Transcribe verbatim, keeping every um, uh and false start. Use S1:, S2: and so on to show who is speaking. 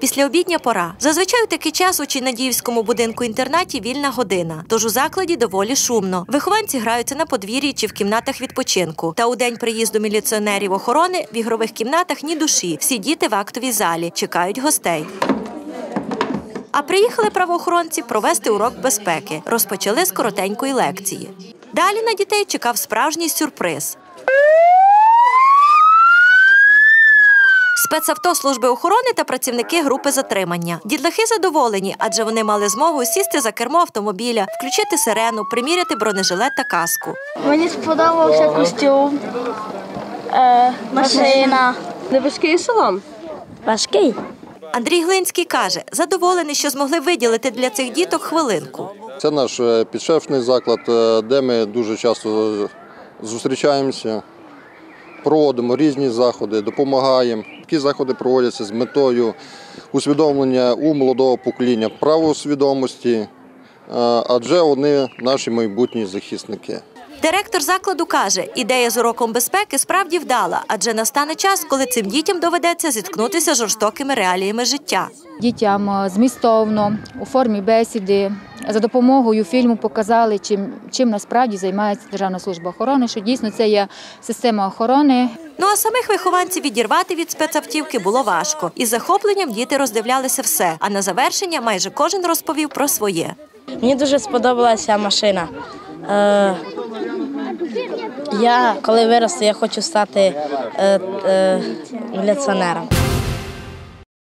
S1: Післяобідня пора. Зазвичай у такий час у Чинадіївському будинку-інтернаті вільна година, тож у закладі доволі шумно. Вихованці граються на подвір'ї чи в кімнатах відпочинку. Та у день приїзду міліціонерів охорони в ігрових кімнатах ні душі. Всі діти в актовій залі, чекають гостей. А приїхали правоохоронці провести урок безпеки. Розпочали з коротенької лекції. Далі на дітей чекав справжній сюрприз. Спецавто служби охорони та працівники групи затримання. Дітлахи задоволені, адже вони мали змогу сісти за кермо автомобіля, включити сирену, приміряти бронежилет та каску.
S2: Мені сподобався костюм, е, машина.
S3: Не важкий салон?
S2: Важкий.
S1: Андрій Глинський каже, задоволений, що змогли виділити для цих діток хвилинку.
S4: Це наш підшефний заклад, де ми дуже часто зустрічаємося, проводимо різні заходи, допомагаємо. Такі заходи проводяться з метою усвідомлення у молодого покоління правосвідомості, адже вони наші майбутні захисники.
S1: Директор закладу каже, ідея з уроком безпеки справді вдала, адже настане час, коли цим дітям доведеться зіткнутися з жорстокими реаліями життя.
S5: Дітям змістовно, у формі бесіди, за допомогою фільму показали, чим, чим насправді займається Державна служба охорони, що дійсно це є система охорони.
S1: Ну а самих вихованців відірвати від спецавтівки було важко. Із захопленням діти роздивлялися все, а на завершення майже кожен розповів про своє.
S2: Мені дуже сподобалася машина. Е, я, коли виросту, я хочу стати е, е, міліціонером.